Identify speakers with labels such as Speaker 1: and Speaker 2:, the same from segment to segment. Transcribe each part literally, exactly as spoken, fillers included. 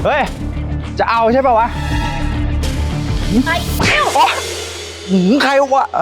Speaker 1: เฮ้ยจะเอาใช่ป่าววะ
Speaker 2: ไอ้เอ้า
Speaker 1: หืมใครวะ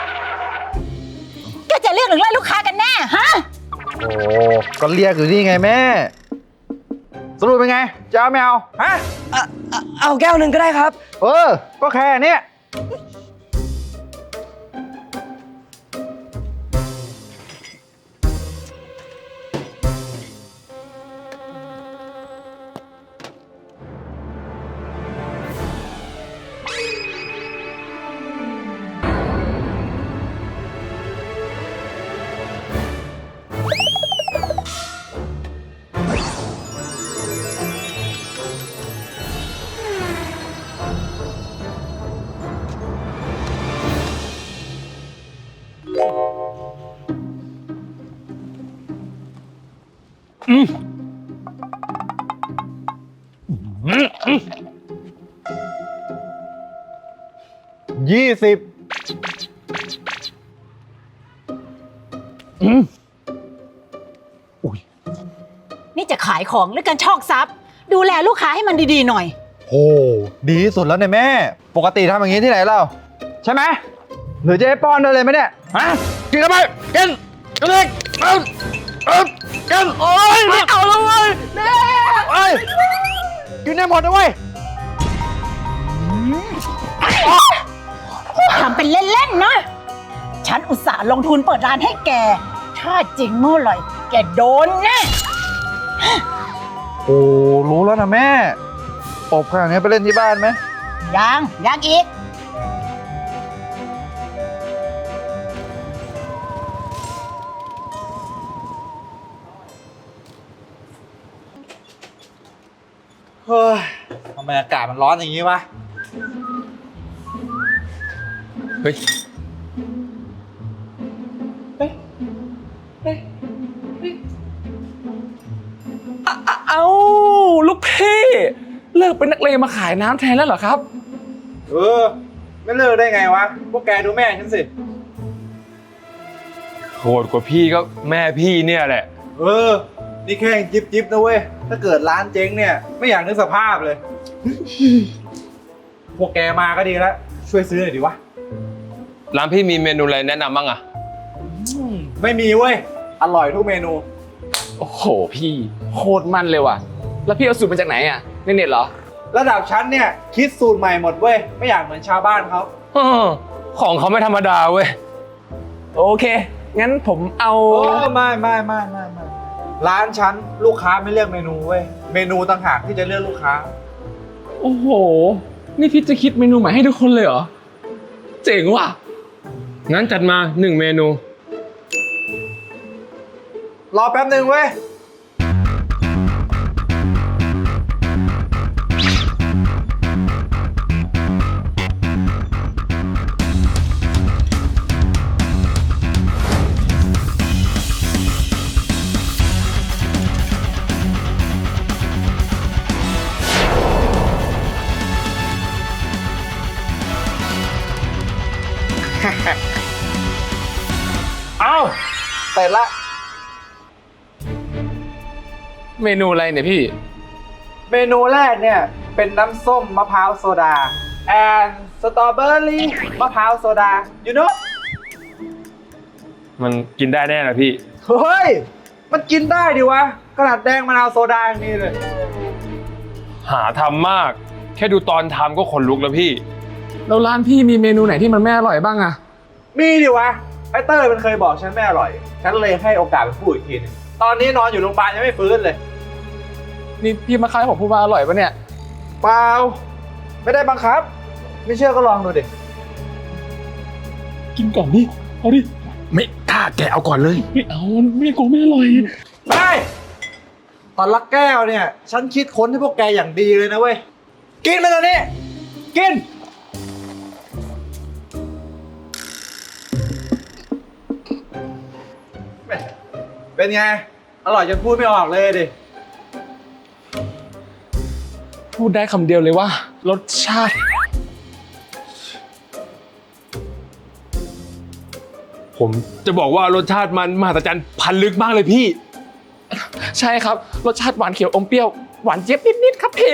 Speaker 2: แกจะเรียกหรือไล่ลูกค้ากันแน่ฮะ
Speaker 1: โอ้ก็เรียกอยู่นี่ไงแม่สรุปเป็นไงจะเอาไม่เอาฮะ
Speaker 3: เอาแก้วหนึ่งก็ได้ครับ
Speaker 1: เออก็แค่นี้อืมยี่สิบอืมอุ้ย
Speaker 2: นี่จะขายของหรือการชอกทรัพย์ดูแลลูกค้าให้มันดีๆหน่อย
Speaker 1: โหดีที่สุดแล้วเนี่ยแม่ปกติทำอย่างนี้ที่ไหนเล่าใช่ไหมหรือจะให้ป้อนด้วยเลยไหมเนี่ยฮะกินเข้าไปกินกินเลยกินกินโอ้ยไม่เอาแล้วเว้ยแม่โอ้ยกินได้หมดนะเว้ย
Speaker 2: ทำเป็นเล่นๆนะฉันอุตส่าห์ลงทุนเปิดร้านให้แกถ้าจริงเมื่อไหร่แกโดนแน่
Speaker 1: โอ้รู้แล้วนะแม่อบขนาดนี้ไปเล่นที่บ้านไหม
Speaker 2: ยังยังอีก
Speaker 1: เฮ้ยทำไมอากาศมันร้อนอย่างนี้วะเฮ้ย
Speaker 4: เอ้าลูกพี่เลิกเป็นนักเลงมาขายน้ำแทนแล้วเหรอครับ
Speaker 1: เออไม่เลิกได้ไงวะพวกแกดูแม่ฉันสิ
Speaker 4: โหดกว่าพี่ก็แม่พี่เนี่ยแหละ
Speaker 1: เออนี่แค่จิ๊บจิ๊บนะเว้ยถ้าเกิดร้านเจ๊งเนี่ยไม่อยากนึกสภาพเลยพวกแกมาก็ดีแล้วช่วยซื้อหน่อยดิวะ
Speaker 4: ร้านพี่มีเมนูอะไรแนะนำบ้างอะ
Speaker 1: ไม่มีเว้ยอร่อยทุกเมนู
Speaker 4: โอ้โหพี่โคตรมันเลยว่ะแล้วพี่เอาสูตรมาจากไหนอะในเน็ตเหรอ
Speaker 1: ระดับชั้นเนี่ยคิดสูตรใหม่หมดเว้ยไม่อยากเหมือนชาวบ้านเขา
Speaker 4: ของเขาไม่ธรรมดาเว้ยโอเคงั้นผมเอา
Speaker 1: โอ้ไม่ไม่ไม่ไม่ไม่ร้านชั้นลูกค้าไม่เลือกเมนูเว้ยเมนูต่างหากที่จะเลือกลูกค้า
Speaker 4: โอ้โหนี่พี่จะคิดเมนูใหม่ให้ทุกคนเลยเหรอเจ๋งว่ะงั้นจัดมาหนึ่งเมนู
Speaker 1: รอแป๊บหนึ่งเว้ยเอาเสร็จละ
Speaker 4: เมนูอะไรเนี่ยพี่
Speaker 1: เมนูแรกเนี่ยเป็นน้ำส้มมะพร้าวโซดา and สตรอเบอรี่มะพร้าวโซดา you know
Speaker 4: มันกินได้แน่นะพี่
Speaker 1: เฮ้ยมันกินได้ดิวะขนาดแดงมะนาวโซดาอย่างนี้เลย
Speaker 4: หาทำมากแค่ดูตอนทำก็ขนลุกแล้วพี่แล้วร้านพี่มีเมนูไหนที่มันไม่อร่อยบ้างอะ
Speaker 1: มีดิวะไอเต้ยมันเคยบอกฉันไม่อร่อยฉันเลยให้โอกาสมันพูดอีกทีนึงตอนนี้นอนอยู่โรงพยาบาลยังไม่ฟื้นเลย
Speaker 4: นี่พี่มาขายผมพูดว่าอร่อยปะเนี่ย
Speaker 1: เปล่าไม่ได้บังคับไม่เชื่อก็ลองดูดิ
Speaker 4: กินก่อนดิเอาดิไม่ถ้าแกเอาก่อนเลยไม่เอาไม่โกงไม่อร่อย
Speaker 1: ได้ตอนละแก้วเนี่ยฉันคิดค้นให้พวกแกอย่างดีเลยนะเว้ยกินไปเลยนี่กินเป็นไงอร่อยจนพูดไม่ออกเลยดิ
Speaker 4: พูดได้คำเดียวเลยว่ารสชาติ ผมจะบอกว่ารสชาติมันมหัศจรรย์พันลึกมากเลยพี่ใช่ครับรสชาติหวานเขียวอมเปรี้ยวหวานเจี๊ยบนิดๆครับพี่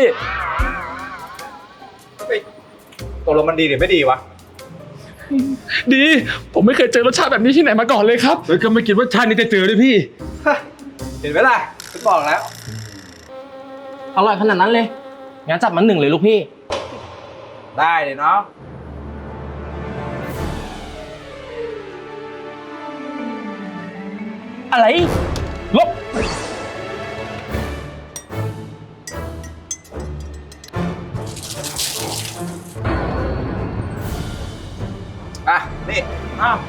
Speaker 1: ตกลงมันดีหรือไม่ดีวะ
Speaker 4: ดี ผมไม่เคยเจอรสชาติแบบนี้ที่ไหนมาก่อนเลยครับ
Speaker 5: เฮ้ยก็ไม่คิดว่าชาตินี้จะเจอด้วยพี่
Speaker 1: เห็นไหมล่ะฉันบอกแล้ว
Speaker 6: อร่อยขนาดนั้นเลยงั้นจับมันหนึ่งเลยลูกพี่
Speaker 1: ได้เลยเนาะ
Speaker 6: อะไร
Speaker 4: ลบ
Speaker 1: อ่ะ นี่
Speaker 6: อ้าว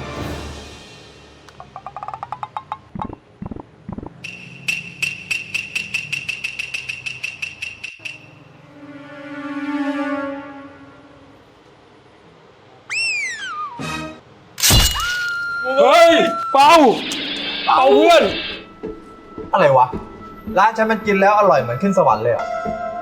Speaker 4: เฮ้ย เปาเปาเพื่อน
Speaker 1: อะไรวะ ร้านฉันมันกินแล้วอร่อยเหมือนขึ้นสวรรค์เลยอ่ะ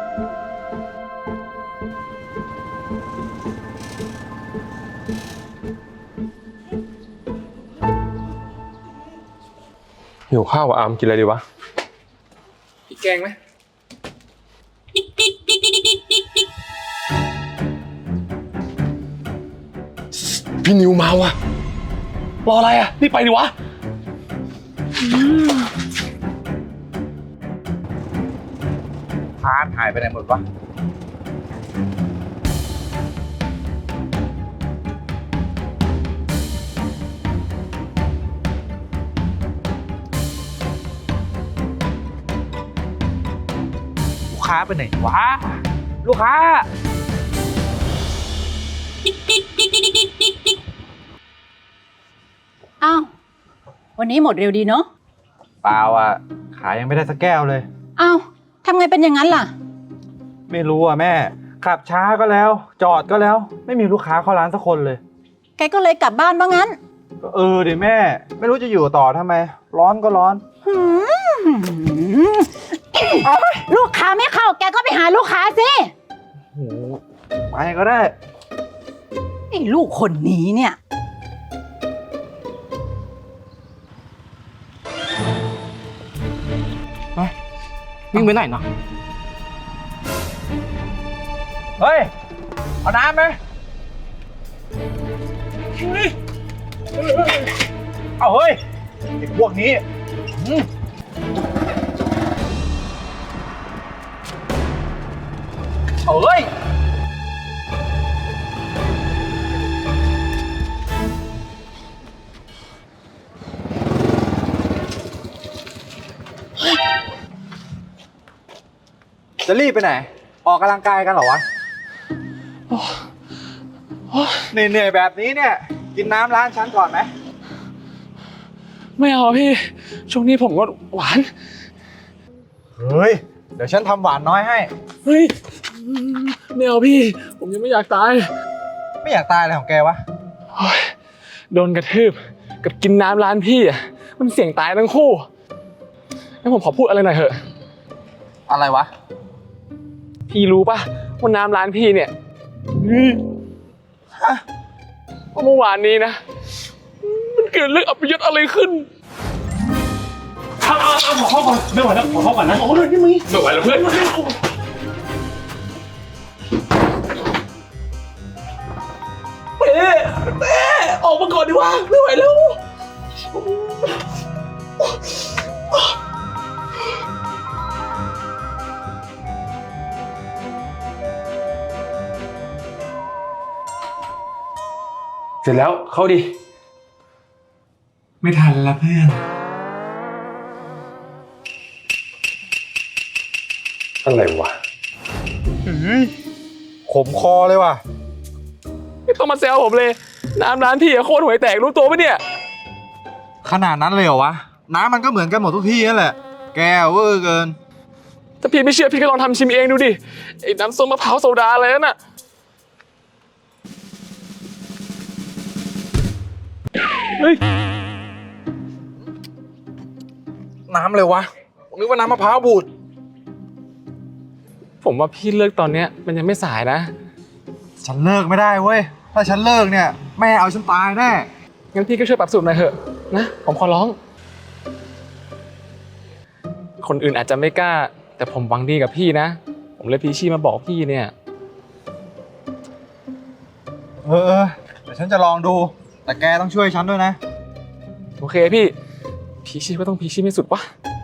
Speaker 5: หิวข้าวอ่ะอามกินอะไรดีวะ
Speaker 4: พี่แกงไหม
Speaker 5: พี่นิวมาว่ะ
Speaker 4: รออะไรอ่ะรีบไปดิวะ
Speaker 1: พาร์ทหายไปไหนหมดวะ ลูกค้าไปไหนวะ ลูกค้า
Speaker 2: อ้าว วันนี้หมดเร็วดีเนาะ
Speaker 1: เปล่าอ่ะ ขายยังไม่ได้สักแก้วเลย
Speaker 2: อ้าวทำไงเป็นอย่างนั้นล่ะ
Speaker 1: ไม่รู้อ่ะแม่ ขับช้าก็แล้ว จอดก็แล้ว ไม่มีลูกค้าเข้าร้านสักคนเลย
Speaker 2: แกก็เลยกลับบ้านว่างั้น
Speaker 1: ก็เออดิแม่ ไม่รู้จะอยู่ต่อทำไม ร้อนก็ร้อน
Speaker 2: หืมลูกค้าไม่เข้า แกก็ไปหาลูกค้าสิ
Speaker 1: โหไปก็ได้
Speaker 2: ไอ้ลูกคนนี้เนี่ย
Speaker 6: วิ่งไปไหนเนาะ
Speaker 1: เฮ้ย เอาน้ำไหมเอาเฮ้ยไอ้พวกนี้อืมเอาเฮ้ย จะรีบไปไหน ออกกำลังกายกันเหรอวะเหนื่อยๆแบบนี้เนี่ย กินน้ำร้านฉันก่อนไหม
Speaker 4: ไม่เอาพี่ ช่วงนี้ผมก็หวาน
Speaker 1: เฮ้ย เดี๋ยวฉันทำหวานน้อยให้
Speaker 4: เฮ้ย ไม่เอาพี่ ผมยังไม่อยากตาย
Speaker 1: ไม่อยากตายอะไรของแกวะ
Speaker 4: โอ๊ยโดนกระทืบกับกินน้ำร้านพี่อ่ะ มันเสี่ยงตายทั้งคู่งั้นผมขอพูดอะไรหน่อยเถอะ
Speaker 1: อะไรวะ
Speaker 4: พี่รู้ป่ะว่าน้ำร้านพี่เนี่ยฮะเมื่อวานนี้นะ มันเกิดเรื่องอัปยศอะไรขึ้น
Speaker 5: เอาเอาเอาขอเข้าก่อนไม่ไหวแล้วขอเข้าก่อนนะ
Speaker 4: โอ้ยนี่มึงไม่ไหวแล้วเพื่อนเป๊ะเป๊ะออกมาก่อนดีกว่าไม่ไหวแล้ว
Speaker 5: เสร็จแล้วเข้าดิ
Speaker 4: ไม่ทันละเพื่อน
Speaker 5: อะไรวะ
Speaker 1: ขมคอเลยว่ะ
Speaker 4: ไม่ต้องมาแซวผมเลย น้ำร้านพี่อะโคตรห่วยแตกรู้ตัวปะเนี่ย
Speaker 1: ขนาดนั้นเลยเหรอวะ น้ำมันก็เหมือนกันหมดทุกที่นั่นแหละ แกเวอร์เกิน
Speaker 4: ถ้าพี่ไม่เชื่อพี่ก็ลองทำชิมเองดูดิ ไอ้น้ำส้มมะพร้าวโซดาอะไรนั่นน่ะ เฮ้ย
Speaker 1: น้ำเลยวะผมนึกว่าน้ำมะพร้าวบูด
Speaker 4: ผมว่าพี่เลิกตอนเนี้ยมันยังไม่สายนะ
Speaker 1: ฉันเลิกไม่ได้เว้ย ถ้าฉันเลิกเนี่ย แม่เอาฉันตายแน่
Speaker 4: งั้นพี่ก็ช่วยปรับสูตรหน่อยเถอะนะ ผมขอร้อง คนอื่นอาจจะไม่กล้าแต่ผมหวังดีกับพี่นะ ผมเลยพีชี่มาบอกพี่เนี่ย
Speaker 1: เออเออเดี๋ยวฉันจะลองดู แต่แกต้องช่วยฉันด้วยนะ
Speaker 4: โอเคพี่ พีชี่ก็ต้องพีชี่ไม่สุดวะ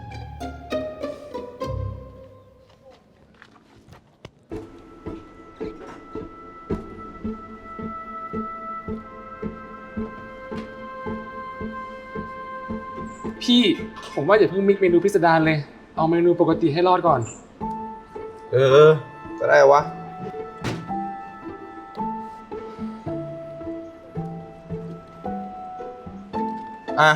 Speaker 4: พี่ผมว่าอย่าเพิ่งมิกเมนูพิสดารเลย เอาเมนูปกติให้รอดก่อน
Speaker 1: เออ ก็ได้วะ อ่ะ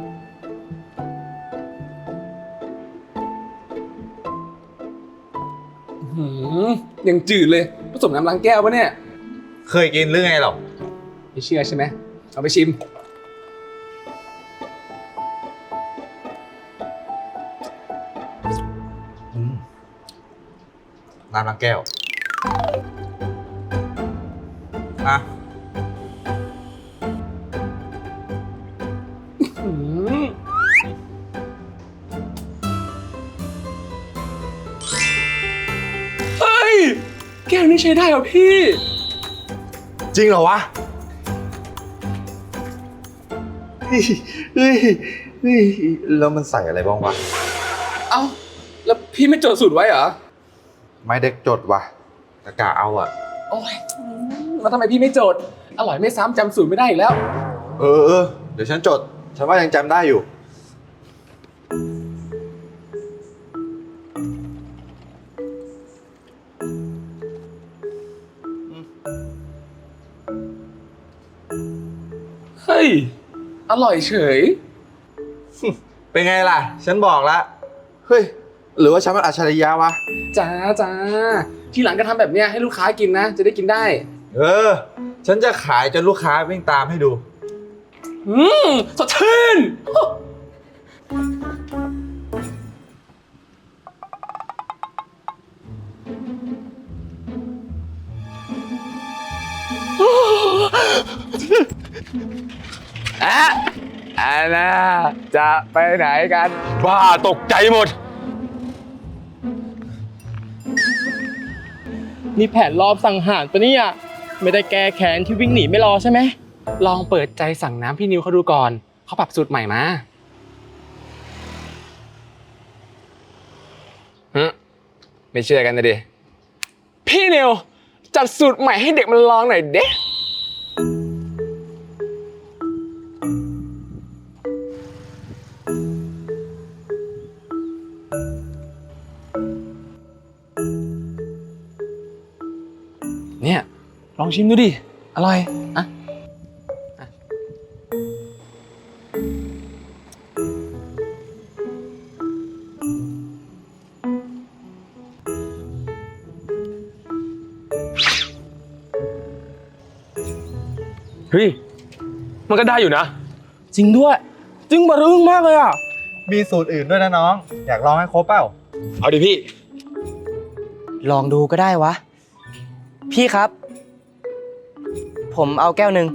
Speaker 4: หืมยังจืดเลยผสมน้ำล้างแก้วปะเนี่ย
Speaker 1: เคยกินหรือไงหรอ
Speaker 4: ไม่เชื่อใช่ไหมเอาไปชิม
Speaker 1: น้ำล้างแก้ว อ่ะ
Speaker 4: หืมเฮ้ย แก้วนี้ใช้ได้เหรอพี่
Speaker 1: จริงเหรอวะ เฮ้ย เฮ้ย เฮ้ย แล้วมันใส่อะไรบ้างวะ
Speaker 4: เอ้า แล้วพี่ไม่จดสูตรไว้เหรอ
Speaker 1: ไม่ได้จดว่ะตะกะเอาอ่ะ
Speaker 4: โอ้ยแล้วทำไมพี่ไม่จด อร่อยไม่ซ้ำจำสูตรไม่ได้อีกแล้ว
Speaker 1: เออเออ เดี๋ยวฉันจด ฉันว่ายังจำได้อยู่
Speaker 4: เฮ้ย อร่อยเฉย
Speaker 1: เป็นไงล่ะ ฉันบอกแล้ว เฮ้ย หรือว่าฉันมันอัจฉริยะวะ
Speaker 4: จ้าจ้า ทีหลังก็ทำแบบเนี้ยให้ลูกค้ากินนะ จะได้กินได้
Speaker 1: เออ ฉันจะขายจนลูกค้าวิ่งตามให้ดู
Speaker 4: อืมสดชื่น อะอันน่าจะไปไหนกัน
Speaker 5: บ้าตกใจหมด
Speaker 6: นี่แผนรอบสังหารปะเนี่ยไม่ได้แก้แค้นที่วิ่งหนีไม่รอใช่ไหม
Speaker 4: ลองเปิดใจสั่งน้ำพี่นิวเขาดูก่อน เขาปรับสูตรใหม่มาฮึไม่เชื่อกันนะดิ พี่นิวจัดสูตรใหม่ให้เด็กมันลองหน่อยเด้เนี่ย ลองชิมดูดิ อร่อย อ่ะ
Speaker 5: เฮ้ย มันก็ได้อยู่นะ
Speaker 6: จริงด้วย จึงบะรึงมากเลยอ่ะ
Speaker 1: มีสูตรอื่นด้วยนะน้อง อยากลองให้ครบเปล่า
Speaker 5: เอาดิพี่
Speaker 3: ลองดูก็ได้วะ พี่ครับ ผมเอาแก้วหนึ่ง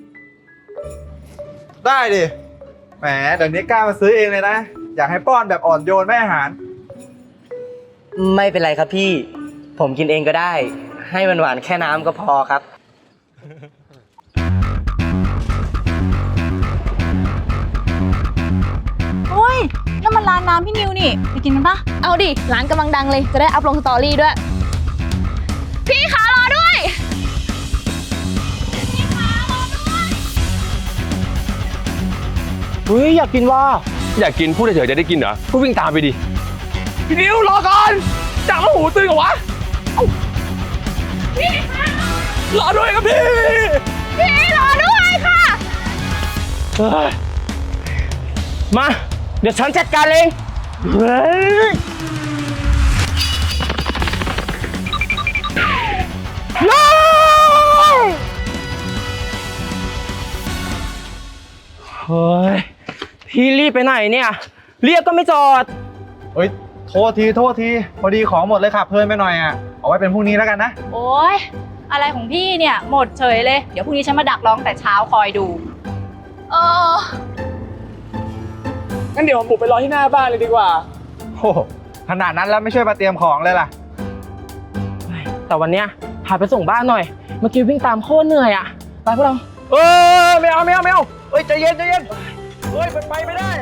Speaker 1: ได้ดิ แหมเดี๋ยวนี้กล้ามาซื้อเองเลยนะ อยากให้ป้อนแบบอ่อนโยนไม่อาหาร
Speaker 3: ไม่เป็นไรครับพี่ ผมกินเองก็ได้ ให้มันหวานแค่น้ำก็พอครับ
Speaker 7: โอ้ยนั่นมันร้านน้ำพี่นิวนี่ ไปกินกันปะเอาดิ ร้านกำลังดังเลย จะได้อัพลงสตอรี่ด้วย พี่ขารอด้วย
Speaker 6: เฮ้ย อยากกินว่า
Speaker 5: อยากกินพูดเฉยๆจะได้กินเหรอ ก็วิ่งตามไปดิ
Speaker 4: พี่นิวรอก่อนจับมาหูตื่นกับวะเอ้าพี่คะรอด้วยครับพี่
Speaker 7: พี่รอด้วยค่ะ
Speaker 6: เฮ้ย มา เดี๋ยวฉันจัดการเองเฮ้ยน้องเฮ้ย พี่รีบไปไหนเนี่ย เรียกก็ไม่จอด
Speaker 1: เฮ้ย โทษที โทษที พอดีของหมดเลยขับเพลินไปหน่อยอ่ะ เอาไว้เป็นพรุ่งนี้แล้วกันนะ
Speaker 7: โอ้ยอะไรของพี่เนี่ยหมดเฉยเลย เดี๋ยวพรุ่งนี้ฉันมาดักร้องแต่เช้าคอยดู เออ
Speaker 4: งั้นเดี๋ยวผมบุกไปรอที่หน้าบ้านเลยดีกว่า
Speaker 1: โอ้โหขนาดนั้นแล้วไม่ช่วยมาเตรียมของเลยล่ะ
Speaker 6: แต่วันเนี้ยพาไปส่งบ้านหน่อย เมื่อกี้วิ่งตามโคตรเหนื่อยอะไปพวกเรา
Speaker 1: เออไม่เอาไม่เอาไม่เอาเฮ้ยใจเย็นใจเย็นเฮ้ยมันไปไม่ได้